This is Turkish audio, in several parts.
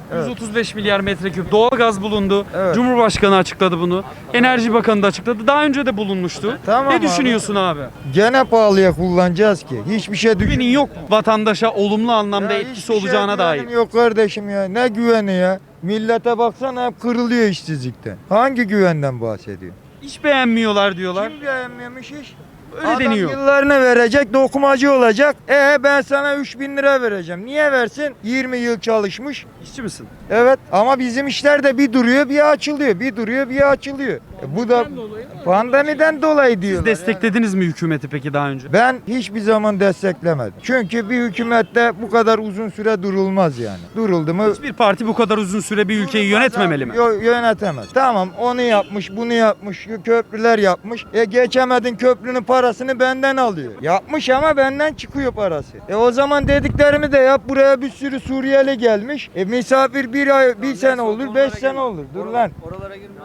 Evet. 135 milyar metreküp doğalgaz bulundu. Evet. Cumhurbaşkanı açıkladı bunu. Enerji Bakanı da açıkladı. Daha önce de bulunmuştu. Tamam ne abi. düşünüyorsun abi? Gene pahalıya kullanacağız ki. Hiçbir şey Güvenin yok mu? Vatandaşa olumlu anlamda Ya etkisi hiçbir şeye olacağına dair. güvenim yok kardeşim ya. Ne güveni ya? Millete baksana hep kırılıyor işsizlikten. Hangi güvenden bahsediyor? İş beğenmiyorlar diyorlar. Kim beğenmemiş iş? Öyle Adam deniyor. yıllarını verecek, dokumacı olacak. Ben sana 3.000 lira vereceğim. Niye versin? 20 yıl çalışmış. İşçi misin? Evet ama bizim işler de bir duruyor bir açılıyor. Bir duruyor bir açılıyor. Bu da pandemiden dolayı Siz diyorlar. desteklediniz mi hükümeti peki daha önce? Ben hiçbir zaman desteklemedim. Çünkü bir hükümette bu kadar uzun süre durulmaz yani. Duruldu mu? Hiçbir parti bu kadar uzun süre bir ülkeyi yönetmemeli mi? Yönetemez. Tamam onu yapmış, bunu yapmış, köprüler yapmış. Geçemedin köprünün parasını benden alıyor. Yapmış ama benden çıkıyor parası. O zaman dediklerimi de yap. Buraya bir sürü Suriyeli gelmiş. Misafir bir sene olur, 5 sene olur. Dur lan. Oralara girmek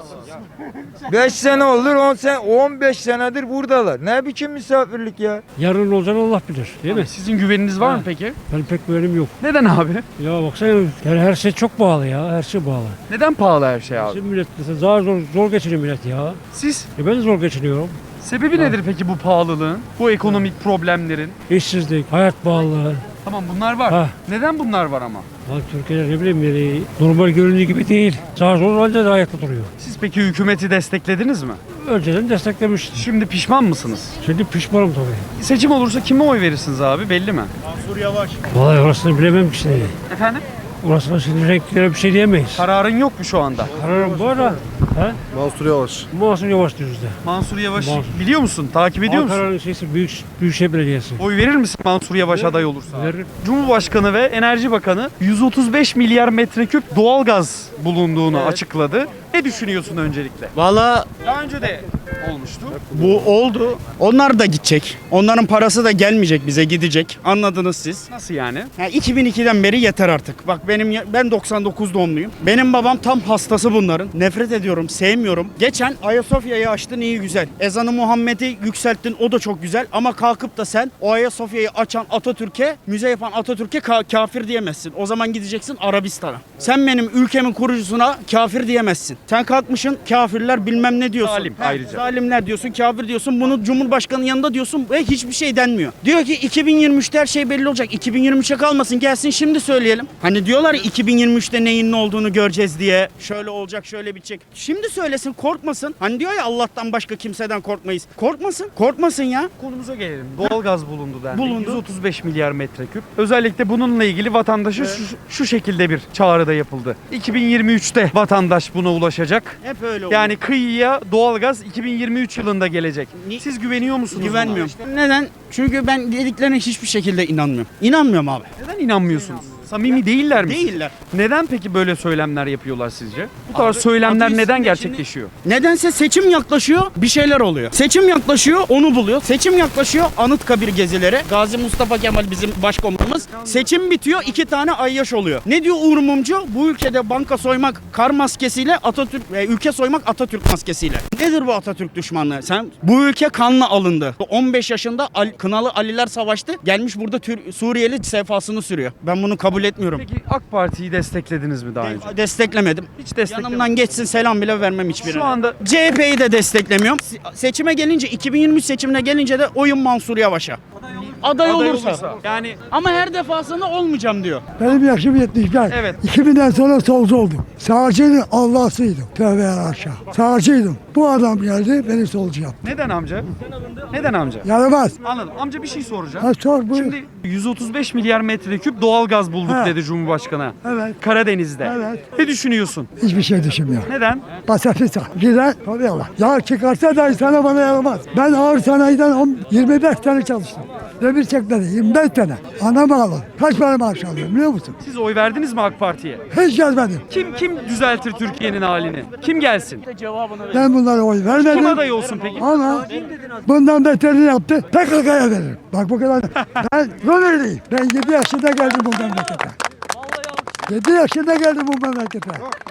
5 sene olur, 10 sene, 15 senedir buradalar. Ne biçim misafirlik ya? Yarın olacağını Allah bilir. Değil mi? Sizin güveniniz var mı peki? Ben pek güvenim yok. Neden abi? Ya baksana yani her şey çok pahalı ya. Her şey pahalı. Neden pahalı her şey abi? Şimdi millet mesela daha zor geçiniyor millet ya. Siz? Ben de zor geçiniyorum. Sebebi nedir peki bu pahalılığın? Bu ekonomik problemlerin? İşsizlik, hayat pahalılığı. Tamam bunlar var. Ha. Neden bunlar var ama? Ha, Türkiye'de ne bileyim yani normal göründüğü gibi değil. Zar zor halde de ayakta duruyor. Siz peki hükümeti desteklediniz mi? Önceden desteklemiştim. Şimdi pişman mısınız? Şimdi pişmanım tabii. Seçim olursa kime oy verirsiniz abi belli mi? Vallahi orasını bilemem ki şimdi. Efendim? Orasına şimdi renklere bir şey diyemeyiz. Kararın yok mu şu anda? Kararım bu ara. He? Mansur Yavaş. Mansur Yavaş diyoruz da. Mansur Yavaş Mansur. biliyor musun? Takip ediyor musun? Ankara'nın şeysi Büyükşehir Belediyesi. Oy verir misin Mansur Yavaş aday olursa? Verir. Cumhurbaşkanı ve Enerji Bakanı 135 milyar metreküp doğalgaz bulunduğunu açıkladı. Ne düşünüyorsun öncelikle? Valla Daha önce de olmuştu. bu oldu. Onlar da gidecek. Onların parası da gelmeyecek bize, gidecek. Anladınız siz. Nasıl yani? Yani 2002'den beri yeter artık. Bak ben 99 doğumluyum. Benim babam tam hastası bunların. Nefret ediyorum, sevmiyorum. Geçen Ayasofya'yı açtın iyi güzel. Ezanı Muhammed'i yükselttin o da çok güzel. Ama kalkıp da sen o Ayasofya'yı açan Atatürk'e, müze yapan Atatürk'e kafir diyemezsin. O zaman gideceksin Arabistan'a. Sen benim ülkemin kurucusuna kafir diyemezsin. Sen kalkmışsın kafirler bilmem ne diyorsun. Zalim ayrıca. Zalimler diyorsun, kafir diyorsun. Bunu Cumhurbaşkanı'nın yanında diyorsun ve hiçbir şey denmiyor. Diyor ki 2023'te her şey belli olacak. 2023'e kalmasın gelsin şimdi söyleyelim. Hani diyorlar ya 2023'te neyin ne olduğunu göreceğiz diye. Şöyle olacak, şöyle bitecek. Şimdi söylesin, korkmasın. Hani diyor ya Allah'tan başka kimseden korkmayız. Korkmasın, korkmasın ya. Konumuza gelelim. Doğalgaz bulundu dendi. Bulundu. 135 milyar metreküp. Özellikle bununla ilgili vatandaşa şu şekilde bir çağrıda yapıldı. 2023'te vatandaş buna ulaşacak. Hep öyle oluyor. Yani kıyıya doğalgaz 2023 yılında gelecek. Siz güveniyor musunuz buna? güvenmiyorum. Neden? Çünkü ben dediklerine hiçbir şekilde inanmıyorum. İnanmıyorum abi. Neden inanmıyorsunuz? Samimi değiller mi? Değiller. Neden peki böyle söylemler yapıyorlar sizce? Bu tarz Abi, söylemler adı neden üstünde gerçekleşiyor? Nedense seçim yaklaşıyor, bir şeyler oluyor. Seçim yaklaşıyor, onu buluyor. Seçim yaklaşıyor, Anıtkabir gezileri. Gazi Mustafa Kemal bizim başkomutanımız. Seçim bitiyor, 2 tane ayyaş oluyor. Ne diyor Uğur Mumcu? Bu ülkede banka soymak kar maskesiyle, ülke soymak Atatürk maskesiyle. Nedir bu Atatürk düşmanlığı? Bu ülke kanla alındı. 15 yaşında Kınalı Aliler savaştı. Gelmiş burada Suriyeli sefasını sürüyor. Ben bunu kabul etmiyorum. Peki AK Parti'yi desteklediniz mi daha önce? Desteklemedim. Hiç desteklemedim. Yanımdan geçsin selam bile vermem hiçbirine. Şu anda CHP'yi de desteklemiyorum. Seçime gelince 2023 seçimine gelince de oyun Mansur Yavaş'a. Aday olursa. Yani Ama her defasında olmayacağım diyor. Benim yaşım 75. Evet. 2000'den sonra solcu oldum. Sağcının Allah'sıydım. Tövbe aşağı. Sağcıydım. Bu adam geldi beni solcu yaptı. neden amca? Neden amca? Yaramaz. Anladım. Amca bir şey soracağım. Ha sor bu. Şimdi 135 milyar metreküp doğalgaz bulduk Ha. dedi Cumhurbaşkanı. Evet. Karadeniz'de. Evet. Ne düşünüyorsun? Hiçbir şey düşünmüyorum. Neden? Pasifista. Gider. Tabii Allah. Ya çıkarsa da sana bana yaramaz. Ben ağır sanayiden 25 sene çalıştım. Demir çekmedi 25 sene. Ana bağlı. Kaç para maaş alıyorum biliyor musun? Siz oy verdiniz mi AK Parti'ye? Hiç gelmedim. Kim düzeltir Türkiye'nin halini? Kim gelsin? Ben bunlara oy vermedim. Kim aday olsun peki? Ama bundan beterini yaptı. PKK'ya veririm. Bak bu kadar. Ben Rumeli'yim. Ben 7 yaşında geldim bu memlekete. 7 yaşında geldim bu memlekete.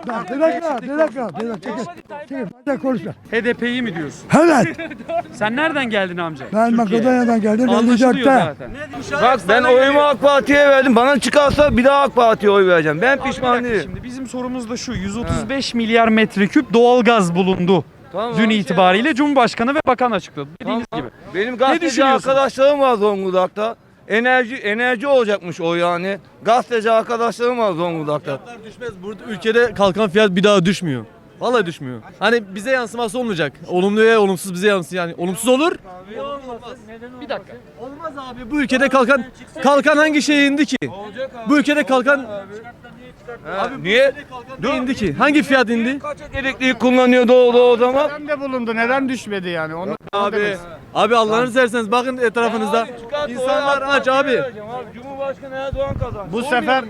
Bir dakika. Çekil. Hadi konuşma. HDP'yi mi diyorsun? Evet. Sen nereden geldin amca? Ben Türkiye'ye. Makedonya'dan geldim. Anlaşılıyor 54'te. zaten. Bak ben oyumu AK Parti'ye verdim. Bana çıkarsa bir daha AK Parti'ye oy vereceğim. Ben Abi bir pişman dakika, değilim. şimdi bizim sorumuz da şu. 135 milyar metreküp doğalgaz bulundu. Tamam, Dün abi. itibariyle Cumhurbaşkanı ve bakan açıkladı. Dediğiniz gibi. Benim gazeteci düşünüyorsun? arkadaşlarım var Zonguldak'ta. Enerji olacakmış o yani. Gazeteci arkadaşlarım var Zonguldak'ta. Düşmez. Burada ülkede kalkan fiyat bir daha düşmüyor. Vallahi düşmüyor. Hani bize yansıması olmayacak. Olumlu ve olumsuz bize yansıyor. Yani olumsuz olur. Bir dakika. Olmaz abi. Bu ülkede kalkan hangi şeye indi ki? Bu ülkede kalkan Niye? ne indi ki? Hangi fiyat indi? Kaçak elektrik kullanıyordu o zaman? de bulundu. Neden düşmedi yani? Onu Abi Allah'ını severseniz bakın etrafınızda. İnsanlar aç abi. Cumhurbaşkanı Erdoğan kazandı. bu sefer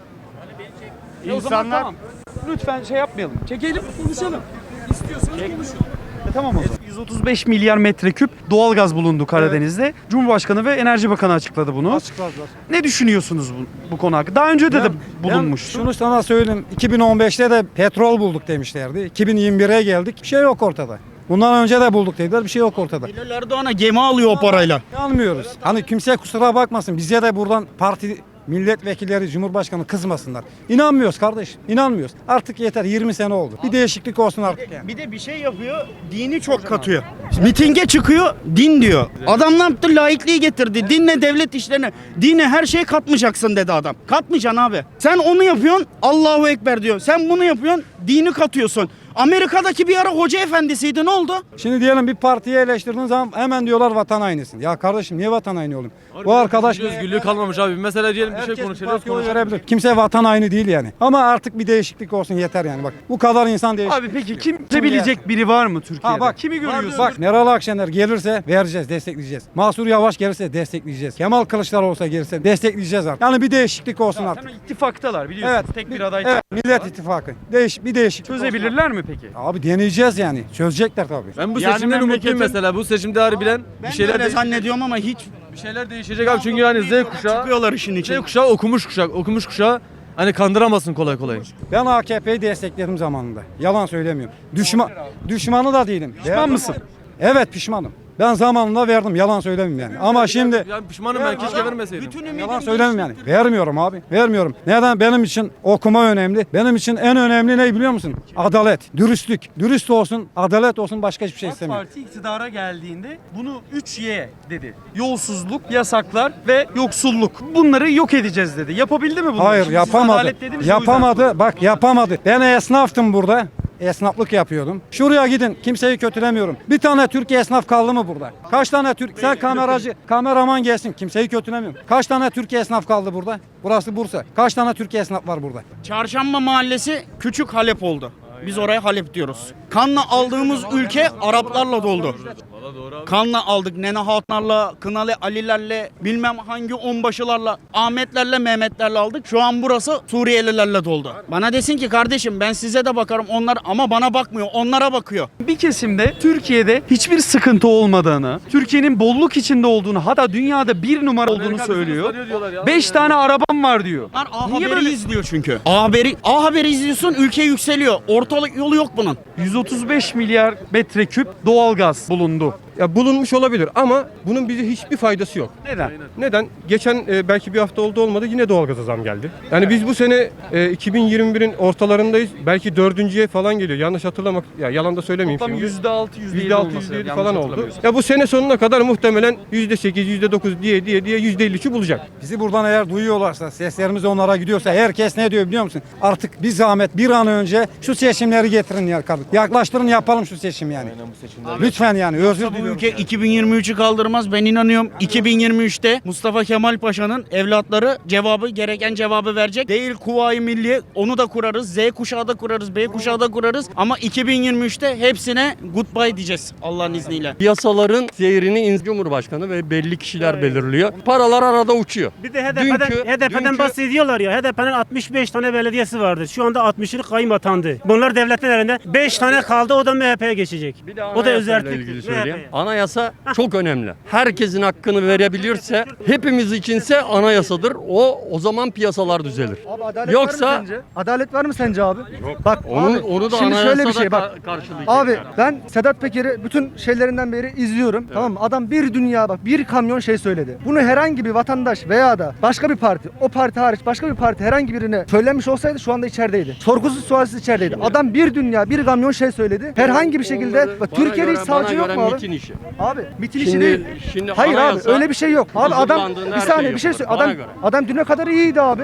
O zaman insanlar tamam. Lütfen şey yapmayalım. Çekelim, konuşalım. İstiyorsanız konuşun. Tamam o zaman. 135 milyar metreküp doğalgaz bulundu Karadeniz'de. Cumhurbaşkanı ve Enerji Bakanı açıkladı bunu. Açıkladılar. Ne düşünüyorsunuz bu konu hakkında? Daha önce de bulunmuş. Şunu sana söyleyeyim. 2015'te de petrol bulduk demişlerdi. 2021'e geldik. Bir şey yok ortada. Bundan önce de bulduk dediler. Bir şey yok ortada. Bilal Erdoğan'a gemi alıyor o parayla. Almıyoruz. Hani kimse kusura bakmasın. Bize de buradan parti milletvekilleri, cumhurbaşkanı kızmasınlar. İnanmıyoruz kardeş. İnanmıyoruz. Artık yeter. 20 sene oldu. Bir değişiklik olsun artık yani. Bir de bir şey yapıyor, dini çok katıyor. Mitinge çıkıyor, din diyor. Adam ne yaptı? Laikliği getirdi. Dinle devlet işlerine, dine her şeyi katmayacaksın dedi adam. Katmayacaksın abi. Sen onu yapıyorsun, Allahu Ekber diyor. Sen bunu yapıyorsun, dini katıyorsun. Amerika'daki bir ara hoca efendisiydi, ne oldu? Şimdi diyelim bir partiyi eleştirdiğin zaman hemen diyorlar vatan hainisin. Ya kardeşim niye vatan haini olayım? Bu arkadaş Özgürlüğü kalmamış abi. Mesela diyelim bir şey herkes konuşuyoruz. partiye oy verebilir. Kimse vatan haini değil yani. Ama artık bir değişiklik olsun yeter yani. Bak bu kadar insan değişik. Abi peki kim bilecek biri var mı Türkiye'de? Ha bak, kimi görüyorsun? Bak Meral Akşener gelirse vereceğiz, destekleyeceğiz. Mahsur Yavaş gelirse destekleyeceğiz. Kemal Kılıçdaroğlu olsa gelirse destekleyeceğiz artık. Yani bir değişiklik olsun artık. Zaten ittifaktalar biliyorsunuz. Evet. Tek bir aday Evet, Millet İttifakı. Bir değişiklik. olsun çözebilirler mi peki? artık. Abi deneyeceğiz yani. Çözecekler tabii. Ben bu Yani seçimden umutluyum memleketin- mesela. Bu seçimde harbiden Ben bir şeyler de öyle zannediyorum ama hiç bir şeyler değişecek abi. Çünkü yani Z kuşağı çıkıyorlar işin Z içine. kuşağı okumuş kuşağı hani kandıramazsın kolay kolay. Ben AKP'yi destekledim zamanında. Yalan söylemiyorum. Düşmanı da değilim. Pişman mısın? Evet pişmanım. Ben zamanında verdim. Yalan söylemeyeyim yani. Ama şimdi Yani pişmanım ben keşke vermeseydim. yalan söylemem yani. Vermiyorum abi. Vermiyorum. Neden? Benim için okuma önemli. Benim için en önemli ne biliyor musun? Adalet, dürüstlük. Dürüst olsun, adalet olsun başka hiçbir şey AK istemiyorum. Parti iktidara geldiğinde bunu 3Y dedi. Yolsuzluk, yasaklar ve yoksulluk. Bunları yok edeceğiz dedi. Yapabildi mi bunu? Hayır Şimdi siz yapamadı. adalet dediniz ya, o yüzden. Yapamadı. Bak yapamadı. Ben esnaftım burada. Esnaflık yapıyordum. Şuraya gidin. Kimseyi kötülemiyorum. Bir tane Türk esnaf kaldı mı burada? Kaç tane Türk? Sen kameraman gelsin. Kimseyi kötülemiyorum. Kaç tane Türk esnaf kaldı burada? Burası Bursa. Kaç tane Türk esnaf var burada? Çarşamba Mahallesi küçük Halep oldu. Biz oraya Halep diyoruz. Kanla aldığımız ülke Araplarla doldu. Kanla aldık Nene Hatunlarla, Kınalı Alilerle, bilmem hangi onbaşılarla, Ahmetlerle, Mehmetlerle aldık. Şu an burası Suriyelilerle doldu. Bana desin ki kardeşim ben size de bakarım onlar ama bana bakmıyor, onlara bakıyor. Bir kesimde Türkiye'de hiçbir sıkıntı olmadığını, Türkiye'nin bolluk içinde olduğunu, hatta dünyada bir numara olduğunu söylüyor. 5 tane arabam var diyor. Bunlar A Niye Haber'i böyle? izliyor çünkü. A Haber'i izliyorsun, ülke yükseliyor. Ortalık yolu yok bunun. 135 milyar metreküp doğalgaz bulundu. Ya bulunmuş olabilir ama bunun bize hiçbir faydası yok. Neden? Neden? Geçen belki bir hafta oldu yine doğalgaza zam geldi. Yani biz bu sene 2021'in ortalarındayız. Belki dördüncüye falan geliyor. Yanlış hatırlamak, ya yalan da söylemeyeyim Tam şimdi. %6, %7 %6, olması %7 yanlış falan oldu. hatırlamıyorsam. Ya bu sene sonuna kadar muhtemelen %8, %9 diye %53'ü bulacak. Bizi buradan eğer duyuyorlarsa, seslerimiz onlara gidiyorsa herkes ne diyor biliyor musun? Artık bir zahmet bir an önce şu seçimleri getirin ya kardeşim. Yaklaştırın yapalım şu seçim yani. Lütfen yani özür Bu diliyorum. ülke 2023'ü kaldırmaz. Ben inanıyorum 2023'te Mustafa Kemal Paşa'nın evlatları gereken cevabı verecek. Değil Kuvayi Milliye, onu da kurarız. Z kuşağı da kurarız, B kuşağı da kurarız. Ama 2023'te hepsine goodbye diyeceğiz Allah'ın izniyle. Yasaların seyrini Cumhurbaşkanı ve belli kişiler belirliyor. Paralar arada uçuyor. Bir de HDP'den bahsediyorlar ya. HDP'nin 65 tane belediyesi vardı. Şu anda 60'lık kayım atandı. Bunlar devletin elinde. 5 tane kaldı o da MHP'ye geçecek. O da Anayasayla özellik. ilgili söyleyeyim. Anayasa çok önemli. Herkesin hakkını verebilirse, hepimiz içinse anayasadır. O zaman piyasalar düzelir. Yoksa Adalet var mı sence abi? Bak onu da şimdi anayasada şöyle bir şey bak. karşılayacak. Abi yani. ben Sedat Peker'i bütün şeylerinden beri izliyorum. Tamam mı? Adam bir dünya bak bir kamyon şey söyledi. Bunu herhangi bir vatandaş veya da başka bir parti, o parti hariç başka bir parti herhangi birine söylemiş olsaydı şu anda içerideydi. Sorgusuz sualsiz içerideydi. Adam bir dünya bir kamyon şey söyledi. Herhangi bir şekilde bak, Türkiye'de hiç savcı yok mu abi? Mitin işi. Abi mitin işi Şimdi- değil. şimdi Hayır abi anayasa öyle bir şey yok. Abi adam huzurlandığında bir her saniye şey bir şey yapılır. söyle. Bana Adam göre. adam düne kadar iyiydi abi.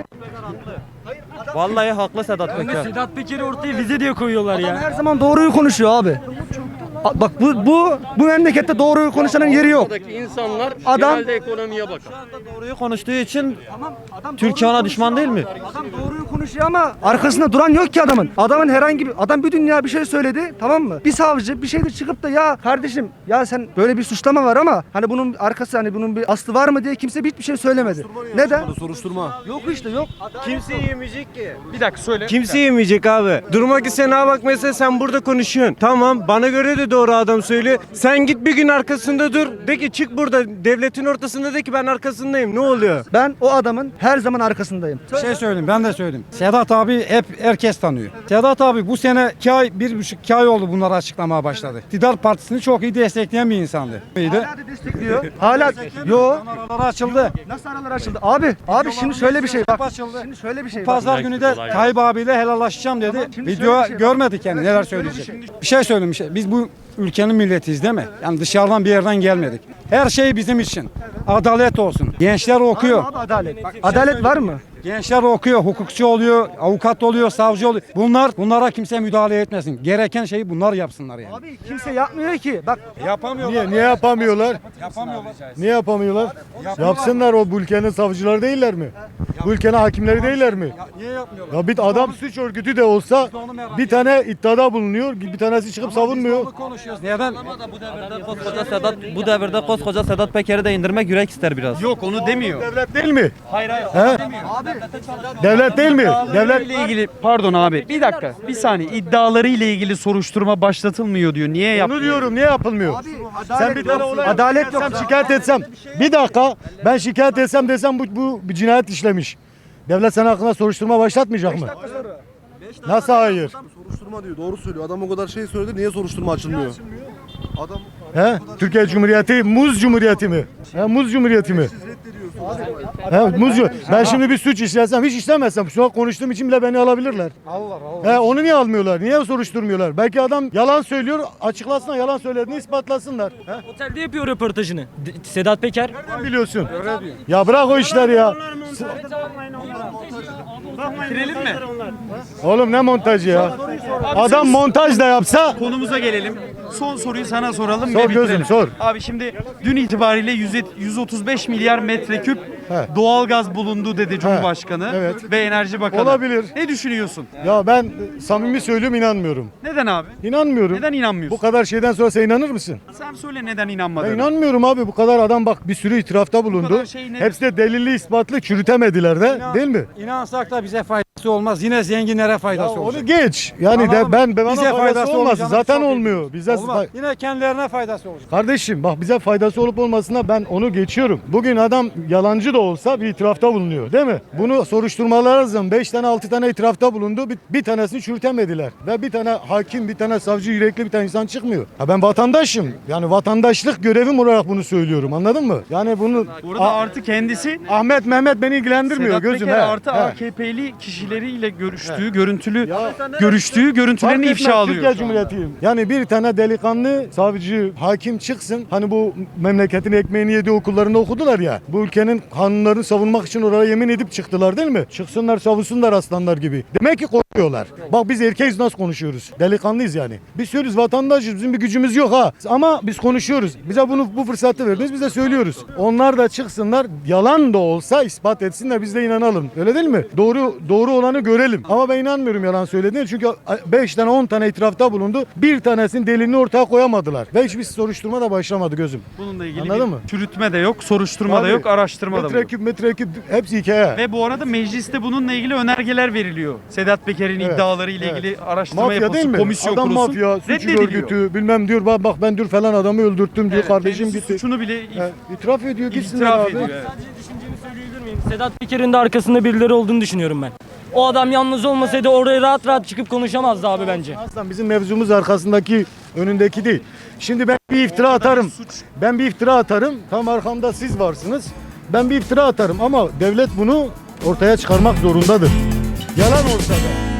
Vallahi haklı Sedat Peker. Sedat Peker'i ortaya vize diye koyuyorlar Adam her zaman doğruyu konuşuyor abi. Bak bu memlekette doğruyu konuşanın yeri yok. Buradaki insanlar Adam- genelde ekonomiye bakar. Doğruyu konuştuğu için Türkiye ona düşman değil mi? Adam doğruyu konuşuyor ama arkasında duran yok ki adamın. Adamın herhangi bir adam bir dünya bir şey söyledi, tamam mı? Bir savcı bir şeydir çıkıp da ya kardeşim ya sen böyle bir suçlama var ama hani bunun arkası hani bunun bir aslı var mı diye kimse hiçbir şey söylemedi. Neden? Soruşturma. Yok işte yok. Kimse yemeyecek ki. Bir dakika söyle. Kimse yemeyecek abi. Duruma gitsen ha bak mesela sen burada konuşuyorsun. Tamam bana göre de doğru adam söylüyor. Sen git bir gün arkasında dur. De ki çık burada devletin ortasında de ki ben arkasındayım. Ne oluyor? Ben o adamın her zaman arkasındayım. Bir şey söyleyeyim, ben de söyleyeyim. Sedat abi hep herkes tanıyor. Sedat abi bu sene 1,5 ay oldu bunları açıklamaya başladı. İktidar Partisi'ni çok iyi destekleyen bir insandı. İyiydi. Hala da destekliyor. Hala yo. Araları açıldı. Nasıl aralar açıldı? Abi şimdi şöyle bir şey bak. Açıldı. Şimdi şöyle bir şey bak. Pazar günü de Tayyip abiyle helallaşacağım dedi. Şimdi Video şöyle bir şey- görmedik yani neler söyleyecek. Bir şey söylemiş. Biz bu ülkenin milletiyiz değil mi? Yani dışarıdan bir yerden gelmedik. Her şey bizim için. Adalet olsun. Gençler okuyor. Abi adalet. Adalet var mı? Gençler okuyor, hukukçu oluyor, avukat oluyor, savcı oluyor. Bunlara kimse müdahale etmesin. Gereken şeyi bunlar yapsınlar yani. Abi kimse yapmıyor ki. Bak Yapamıyorlar. Niye yapamıyorlar? Yapamıyorlar. Niye yapamıyorlar? Yapsınlar, o bu ülkenin savcıları değiller mi? Bu ülkenin hakimleri değiller mi? Niye yapmıyorlar? Ya bir adam suç örgütü de olsa bir tane iddiada bulunuyor, bir tanesi çıkıp savunmuyor. Konuşuyoruz. Neden? Bu devirde koskoca Sedat Peker'i de indirmek yürek ister biraz. Yok onu demiyor. Devlet değil mi? Hayır. He? Devlet değil mi? Devlet ile ilgili pardon abi bir dakika bir saniye iddiaları ile ilgili soruşturma başlatılmıyor diyor. Niye onu yapmıyor? diyorum, niye yapılmıyor? Sen bir tane olay adalet yok. şikayet etsem. Bir dakika, ben şikayet etsem desem bu bir cinayet işlemiş. Devlet senin hakkında soruşturma başlatmayacak mı? Nasıl hayır? Soruşturma diyor. Doğru söylüyor. Adam o kadar şey söyledi. Niye soruşturma açılmıyor? Adam He? Türkiye Cumhuriyeti Muz Cumhuriyeti mi? He, Muz Cumhuriyeti mi? He, Muz Ben şimdi bir suç işlesem, hiç işlemezsem şu an konuştuğum için bile beni alabilirler. He, onu niye almıyorlar? Niye soruşturmuyorlar? Belki adam yalan söylüyor, açıklasınlar, yalan söylediğini ispatlasınlar. He? Otelde yapıyor röportajını. Sedat Peker. Nereden biliyorsun? Ya bırak o işleri ya. Bitirelim mi? Oğlum ne montajı ya? Adam montaj da yapsa Konumuza gelelim. Son soruyu sana soralım. Sor ve gözüm, bitirelim. sor. Abi şimdi dün itibariyle 135 milyar metreküp He. doğalgaz bulundu dedi Cumhurbaşkanı evet. ve Enerji Bakanı. Olabilir. Ne düşünüyorsun? ya ben samimi söylüyorum, inanmıyorum. Neden abi? İnanmıyorum. Neden Bu inanmıyorsun? kadar şeyden sonra sen inanır mısın? Sen söyle neden Ben inanmadığını. inanmıyorum abi, bu kadar adam bak bir sürü itirafta bulundu. kadar şey ne? Hepsi de delilli ispatlı, çürütemediler de, değil mi? İnansak da bize faydası olmaz. Yine zenginlere faydası Ya olacak. onu geç. Yani Anladın de mı? bana Bize faydası olmaz. olmayacağını Zaten çok iyi olmuyor. Bize Olmaz. Yine kendilerine faydası olacak. Kardeşim bak, bize faydası olup olmasına ben onu geçiyorum. Bugün adam yalancı da olsa bir itirafta bulunuyor, değil mi? Bunu soruşturmalar lazım. 5 tane 6 tane itirafta bulundu. Bir tanesini çürütemediler. Ve bir tane hakim, bir tane savcı, yürekli bir tane insan çıkmıyor. Ha, ben vatandaşım. Yani vatandaşlık görevim olarak bunu söylüyorum. Anladın mı? Yani bunu Burada artı kendisi Ahmet Mehmet beni ilgilendirmiyor Sedat gözüm. Peker he, artı he. AKP'li kişileriyle görüştüğü, görüntülerini Fark ifşa etmez, alıyor. Türkiye Cumhuriyeti'yim. Yani bir tane delikanlı savcı, hakim çıksın. Hani bu memleketin ekmeğini yediği okullarında okudular ya. Bu ülkenin kanunlarını savunmak için oraya yemin edip çıktılar, değil mi? Çıksınlar, savunsunlar aslanlar gibi. Demek ki korkuyorlar. Bak biz erkeğiz, nasıl konuşuyoruz? Delikanlıyız yani. Biz söylüyoruz, vatandaşız, bizim bir gücümüz yok ha. Ama biz konuşuyoruz. Bize bu fırsatı verdiniz, biz de söylüyoruz. Onlar da çıksınlar, yalan da olsa ispat etsinler, biz de inanalım. Öyle değil mi? Doğru olanı görelim. Ama ben inanmıyorum yalan söylediğine. Çünkü 5 tane 10 tane itirafta bulundu. Bir tanesinin delilini ortaya koyamadılar. Ve hiçbir soruşturma da başlamadı gözüm. Bununla ilgili Anladın bir mı? çürütme de yok, soruşturma da Abi, yok, araştırma da yok. Metreküp hepsi hikaye. Ve bu arada mecliste bununla ilgili önergeler veriliyor. Sedat Peker'in Evet, iddiaları ile evet. ilgili araştırma Mafya değil yapılsın, mi? komisyon Adam kurulsun. mafya, suç Reddediliyor. örgütü bilmem diyor. Bak ben diyor falan adamı öldürttüm diyor. Evet, Kardeşim kendisi gitti. suçunu bile İtiraf ediyor gitsinler itiraf abi. ediyor. Evet. Sedat Peker'in de arkasında birileri olduğunu düşünüyorum ben. O adam yalnız olmasaydı oraya rahat rahat çıkıp konuşamazdı abi bence. Aslan bizim mevzumuz arkasındaki önündeki değil. Şimdi ben bir iftira atarım. Ben bir iftira atarım. Tam arkamda siz varsınız. Ben bir iftira atarım ama devlet bunu ortaya çıkarmak zorundadır. Yalan olsa da.